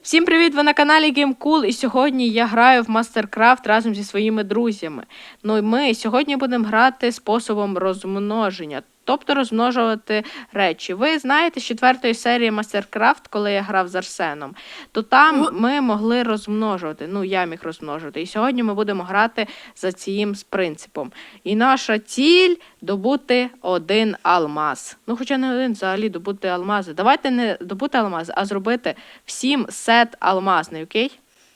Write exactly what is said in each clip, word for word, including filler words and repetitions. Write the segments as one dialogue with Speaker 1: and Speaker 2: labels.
Speaker 1: Всім привіт! Ви на каналі GameCool, і сьогодні я граю в Мастеркрафт разом зі своїми друзями. Ну і ми сьогодні будемо грати способом розмноження, тобто розмножувати речі. Ви знаєте, з четвертої серії Мастеркрафт, коли я грав з Арсеном, то там ми могли розмножувати, ну я міг розмножувати. І сьогодні ми будемо грати за цим принципом. І наша ціль – добути один алмаз. Ну хоча не один, взагалі добути алмази. Давайте не добути алмази, а зробити всім сет алмазний, окей?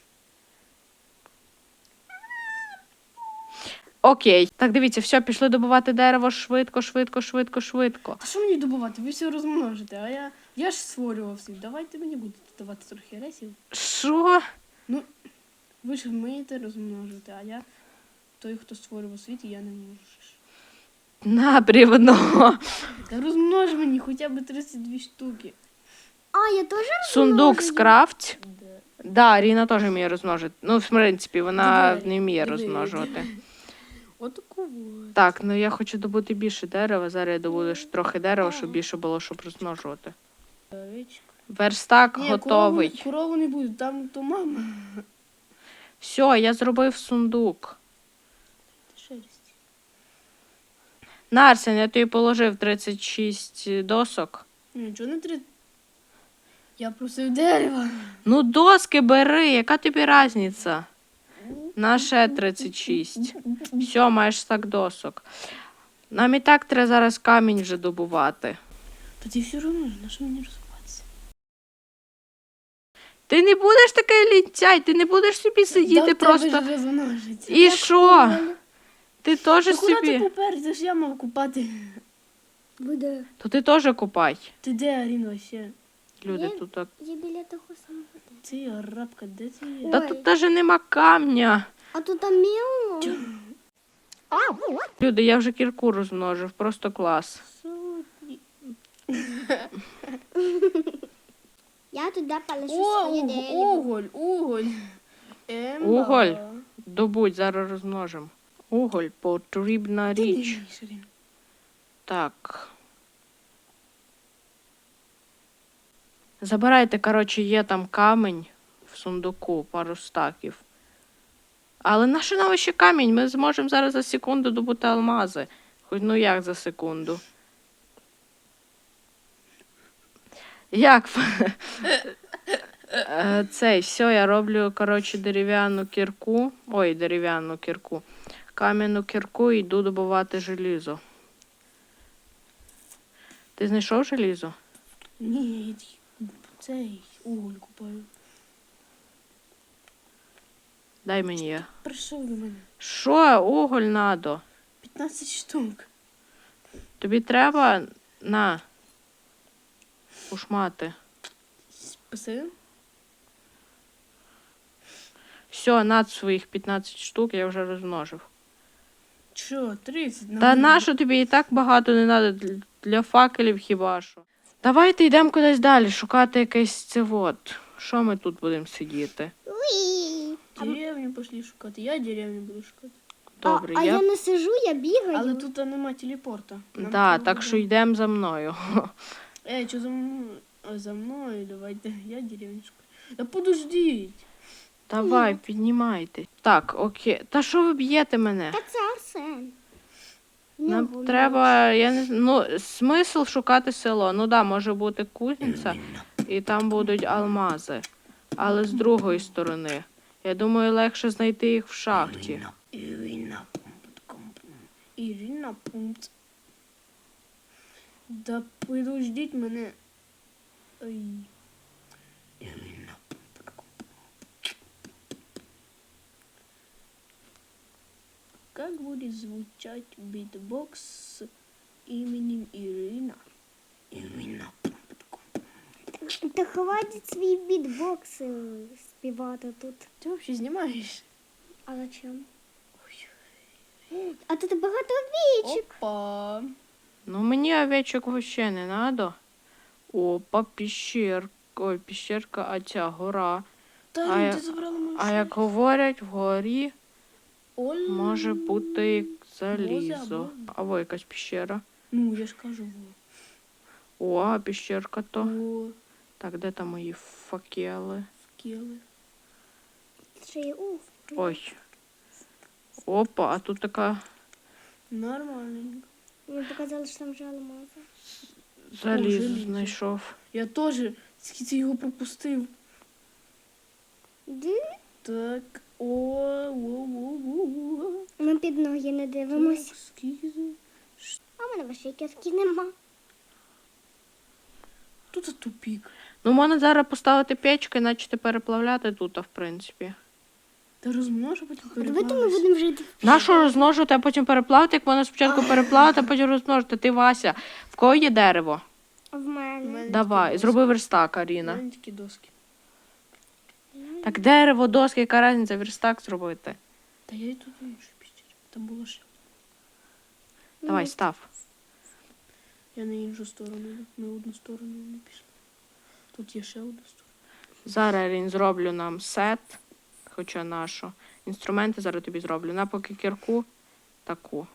Speaker 1: Окей. Так, дивіться, все, пішли добувати дерево швидко, швидко, швидко, швидко.
Speaker 2: А що мені добувати? Ви все розмножите, а я, я ж створював світ. Давайте мені будете давати трохи ресів.
Speaker 1: Що?
Speaker 2: Ну, ви ж вмієте розмножити, а я той, хто створював світ, і я не можу.
Speaker 1: На, брівно.
Speaker 2: Та розмнож мені хоча б тридцять дві штуки.
Speaker 3: А, я теж
Speaker 1: Сундук скрафть.
Speaker 2: Да.
Speaker 1: Да, Ріна теж вміє розмножити. Ну, в принципі, вона
Speaker 2: Диви,
Speaker 1: не вміє
Speaker 2: диви,
Speaker 1: розмножувати.
Speaker 2: Отаку вот.
Speaker 1: Так, ну я хочу добути більше дерева. Зараз я добуду ж трохи дерева, щоб більше було, щоб розмножувати.
Speaker 2: Овечка.
Speaker 1: Верстак
Speaker 2: Ні,
Speaker 1: готовий.
Speaker 2: Корову, корову не буде, там то мама.
Speaker 1: Все, я зробив сундук.
Speaker 2: Шерсть.
Speaker 1: На, Арсен, я тобі положив тридцять шість досок.
Speaker 2: Нічого не три. Я просив дерева.
Speaker 1: Ну, доски бери, яка тобі різниця? На ще тридцять шість. Все, маєш стак досок. Нам і так треба зараз камінь вже добувати.
Speaker 2: Тоді все одно, на що мені розвиватися?
Speaker 1: Ти не будеш такий лінцяй, ти не будеш собі сидіти просто. І що? Ти теж
Speaker 2: Та куди ти
Speaker 1: собі.
Speaker 2: попер? Це ж я мав купати.
Speaker 3: буде.
Speaker 1: То ти теж купай.
Speaker 2: Ти де, Арін, вообще?
Speaker 1: Люди
Speaker 3: Я-
Speaker 1: тут так.
Speaker 3: Я біля того самого.
Speaker 2: Ти арабка, де ти є?
Speaker 1: Та
Speaker 3: Ой.
Speaker 1: тут навіть нема камня.
Speaker 3: А тут там міло.
Speaker 1: Люди, я вже кірку розмножив, просто клас.
Speaker 2: Сотні.
Speaker 3: Я туди полежу
Speaker 2: О,
Speaker 3: своє
Speaker 2: уг-
Speaker 3: дерево.
Speaker 2: уголь, уголь. Емба.
Speaker 1: Уголь? Добудь, зараз розмножимо. Уголь, потрібна
Speaker 2: Ти не
Speaker 1: річ.
Speaker 2: вмієш, Арін.
Speaker 1: Так. Забирайте, коротше, є там камінь в сундуку, пару стаків. Але на що нам ще камінь? Ми зможемо зараз за секунду добути алмази. Хоч ну як за секунду? Як? Е, Цей, все, я роблю, коротше, дерев'яну кірку. Ой, дерев'яну кірку. Кам'яну кірку і йду добувати желізо. Ти знайшов желізо?
Speaker 2: Ні, я ті- цей уголь купаю.
Speaker 1: Дай мені я.
Speaker 2: Прийшов до мене.
Speaker 1: Що? Уголь надо.
Speaker 2: п'ятнадцять штук.
Speaker 1: Тобі треба на ушмати.
Speaker 2: Спасибо.
Speaker 1: Все, над своїх п'ятнадцять штук я вже розмножив.
Speaker 2: Що, тридцять?
Speaker 1: Та нащо тобі і так багато не треба для факелів хіба що. Давайте йдемо кудись далі, шукати якесь цевод. Що ми тут будемо сидіти?
Speaker 3: Уї.
Speaker 2: Деревню пішли шукати. Я деревню буду шукати.
Speaker 1: Добре,
Speaker 3: а, а
Speaker 1: я...
Speaker 3: я не сижу, я бігаю.
Speaker 2: Але тут нема телепорта. Нам
Speaker 1: Да,
Speaker 2: треба
Speaker 1: так
Speaker 2: буде-
Speaker 1: що йдемо за мною.
Speaker 2: Ей, що за мною? А, за мною, давайте. Я деревню шукаю. Да подождіть.
Speaker 1: Давай, піднімайте. Так, окей. Та що ви б'єте мене?
Speaker 3: Та це Арсен. В
Speaker 1: Нам
Speaker 3: нього
Speaker 1: треба, я не знаю, ну, смисл шукати село. Ну да, може бути кузниця, і там будуть алмази. Але з другої сторони. Я думаю, легше знайти їх в шахті.
Speaker 2: Ірина пункт. Ірина пункт. Да подождіть мене. Ой. Ірина пункт. Как будет звучать битбокс с именем Ирина? Ирина пункт.
Speaker 3: Та хватить свій бітбокс е, співати тут.
Speaker 2: Ти взагалі знімаєш?
Speaker 3: А зачем? А тут багато овечок.
Speaker 2: Опа.
Speaker 1: Ну, мені овечок вообще не надо. Опа, піщерка. Ой, піщерка, а ця гора.
Speaker 2: Та
Speaker 1: А
Speaker 2: ну,
Speaker 1: я-
Speaker 2: ти забрала мою
Speaker 1: А як говорять, вгорі
Speaker 2: Оль.
Speaker 1: може бути залізо.
Speaker 2: Воза,
Speaker 1: Або якась піщера.
Speaker 2: Ну, я ж кажу.
Speaker 1: О, а піщерка то.
Speaker 2: О,
Speaker 1: Так, де там мої факели?
Speaker 2: скіли.
Speaker 3: Ще є уф.
Speaker 1: Ой. Опа, а тут така
Speaker 2: Нормальненько.
Speaker 3: Мені показали, що там вже алмази.
Speaker 1: залізо
Speaker 2: желізо.
Speaker 1: знайшов.
Speaker 2: Я теж скільки його пропустив.
Speaker 3: Ди?
Speaker 2: Так. О, о, о, о, о.
Speaker 3: Ми під ноги не дивимось.
Speaker 2: Так, скільки за-
Speaker 3: А в мене вашої кістки нема.
Speaker 2: Тут тупік.
Speaker 1: Ну, можна зараз поставити печку і почати переплавляти тут, в принципі.
Speaker 2: Та розмножу, потім
Speaker 3: Давайте ми
Speaker 2: переплавиш.
Speaker 3: будемо жити.
Speaker 1: Нащо розмножувати, а потім переплавити, як можна спочатку переплавити, а потім розмножити. Ти, Вася, в кого є дерево?
Speaker 3: В
Speaker 2: У
Speaker 3: мене.
Speaker 2: мене
Speaker 1: Давай,
Speaker 2: тільки
Speaker 1: зроби верстак,
Speaker 2: доски. У
Speaker 1: Аріна.
Speaker 2: мене тільки доски.
Speaker 1: Так дерево, доски, яка різниця, верстак зробити.
Speaker 2: Та я й тут інше піщер. Там було ще.
Speaker 1: Давай, став.
Speaker 2: Я на іншу сторону, йду. На одну сторону не пішла. Тут є ще одна сторона.
Speaker 1: Зараз, Арін, зроблю нам сет, хоча нашу. Інструменти зараз тобі зроблю. На поки кірку таку.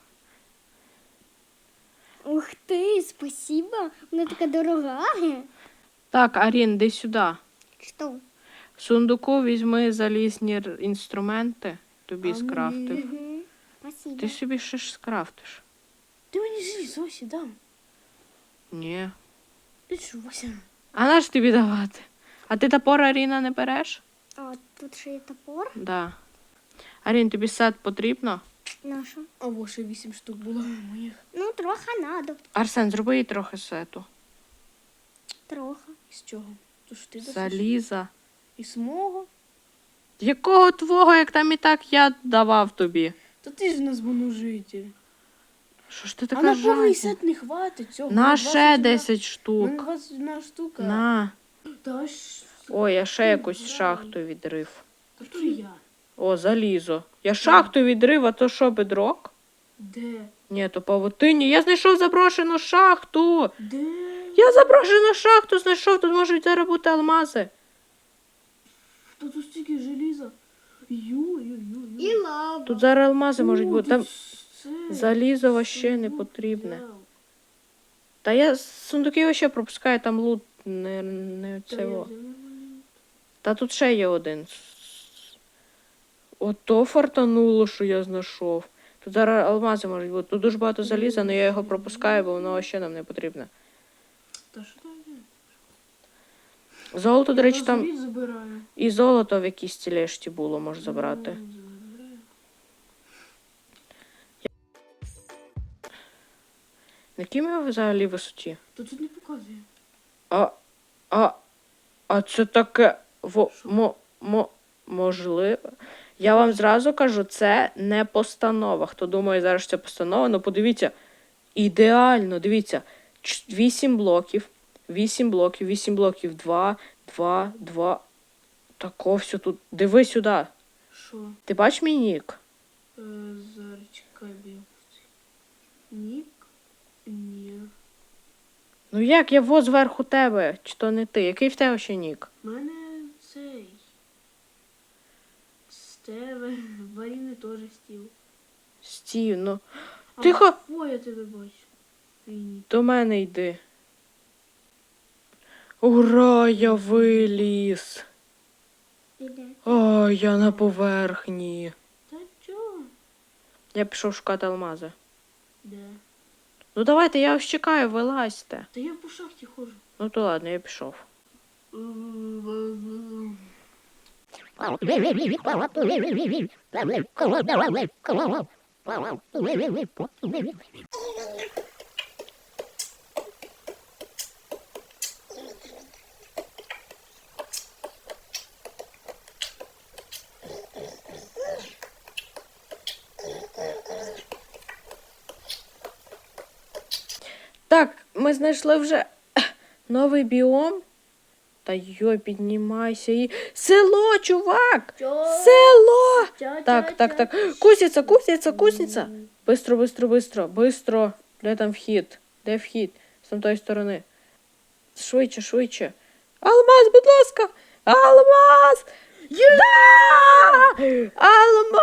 Speaker 3: Ух ти, спасибо. Вона така дорога.
Speaker 1: Так, Арін, йди сюди.
Speaker 3: Що?
Speaker 1: В сундуку візьми залізні р- інструменти, тобі
Speaker 2: А
Speaker 1: скрафтив.
Speaker 2: мені?
Speaker 3: Угу. Спасибо.
Speaker 1: Ти собі ще ж скрафтиш.
Speaker 2: Ти мені зліз, Осі, дам.
Speaker 1: Ні.
Speaker 2: Ти що, Вася?
Speaker 1: А на ж тобі давати? А ти топор, Аріна, не береш?
Speaker 3: А тут ще є топор.
Speaker 1: Да. Арін, тобі сет потрібно?
Speaker 3: Наша.
Speaker 2: Або ще вісім штук було моїх.
Speaker 3: Ну, трохи надо.
Speaker 1: Арсен, зроби їй трохи сету.
Speaker 3: Трохи.
Speaker 2: Із чого? То ж ти досиш?
Speaker 1: Заліза.
Speaker 2: Із мого?
Speaker 1: Якого твого, як там і так я давав тобі?
Speaker 2: То ти ж в нас бонужитель.
Speaker 1: Що ж ти
Speaker 2: А
Speaker 1: така
Speaker 2: на повний
Speaker 1: жадна?
Speaker 2: сет не хватить цього.
Speaker 1: На
Speaker 2: двадцять
Speaker 1: ще
Speaker 2: одна-
Speaker 1: десять
Speaker 2: У мене
Speaker 1: штук.
Speaker 2: двадцять одна штука.
Speaker 1: На.
Speaker 2: Та ж...
Speaker 1: Ой, я ще
Speaker 2: Ти
Speaker 1: якусь
Speaker 2: грай.
Speaker 1: шахту відрив.
Speaker 2: Та то я.
Speaker 1: О, залізо. Я шахту відрив, а то що, бедрок?
Speaker 2: Де?
Speaker 1: Ні, то павутині. Я знайшов заброшену шахту.
Speaker 2: Де?
Speaker 1: Я заброшену шахту знайшов, тут можуть зараз бути алмази.
Speaker 2: Та тут стільки желіза. Ю-ю-ю-ю.
Speaker 3: І лава.
Speaker 1: Тут зараз алмази можуть
Speaker 2: О,
Speaker 1: бути.
Speaker 2: тут
Speaker 1: Там
Speaker 2: це,
Speaker 1: залізо вообще не
Speaker 2: сундук
Speaker 1: потрібне.
Speaker 2: взяв.
Speaker 1: Та я з сундуки вообще пропускаю, там лут не, не
Speaker 2: Та я
Speaker 1: цього.
Speaker 2: взяв нормально.
Speaker 1: Та тут ще є один. Ото фартануло, що я знайшов. Тут зараз алмази можуть бути. Тут дуже багато заліза, але я його пропускаю, бо воно ще нам не потрібне.
Speaker 2: Та що там є?
Speaker 1: Золото, до речі,
Speaker 2: Я
Speaker 1: там
Speaker 2: собі забираю.
Speaker 1: і золото в якійсь тілешті було, можеш забрати.
Speaker 2: Ну, забираю.
Speaker 1: На якій ми взагалі висоті?
Speaker 2: Та тут не показує.
Speaker 1: А, а, а це таке во,
Speaker 2: Що?
Speaker 1: мо, мо, можливо. Я вам зразу кажу, це не постанова. Хто думає зараз, що це постанова, ну подивіться, ідеально, дивіться, вісім блоків, вісім блоків, вісім блоків, два, два, два. Тако все тут. Диви сюди.
Speaker 2: Що?
Speaker 1: Ти бачиш мій нік?
Speaker 2: Е, зараз чекай, бо я пустив. Нік? Ні.
Speaker 1: Ну як, я во зверху тебе, чи то не ти? Який в тебе ще нік?
Speaker 2: У мене цей. Стеве. В Аріни теж стіл.
Speaker 1: Стів, ну.
Speaker 2: А,
Speaker 1: Тихо.
Speaker 2: О, я тебе бачу. Твій нік.
Speaker 1: До мене йди. Ура, я виліз.
Speaker 3: Іде.
Speaker 1: Ой, я на поверхні.
Speaker 2: Та чого?
Speaker 1: Я пішов шукати алмази.
Speaker 2: Де?
Speaker 1: Ну давайте, я вас чекаю, вилазьте.
Speaker 2: Та я по шахті ходжу.
Speaker 1: Ну то ладно, я пішов. Так, ми знайшли вже новий біом. Та йой, піднімайся і. Село, чувак! Село! Так, так, так. Кузниця, кузниця, кузниця. Бистро, бистро, бистро, бистро. Де там вхід? Де вхід? З там тої сторони. Швидше, швидше. Алмаз, будь ласка! Алмаз! Да! Алмаз!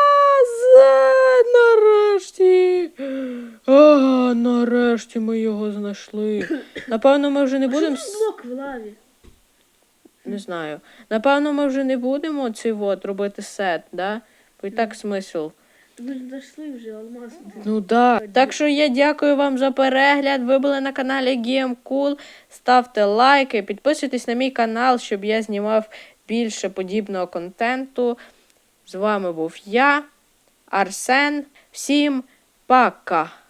Speaker 1: Нарешті! А, нарешті ми його знайшли. Напевно, ми вже не будемо.
Speaker 2: Що за блок в лаві?
Speaker 1: Не знаю. Напевно, ми вже не будемо цей от робити сет, да? Бо і так смисл.
Speaker 2: Ви ж дійшли вже алмаз.
Speaker 1: Ну да. Так що я дякую вам за перегляд. Ви були на каналі GameCool. Ставте лайки, підписуйтесь на мій канал, щоб я знімав більше подібного контенту. З вами був я, Арсен. Всім пока!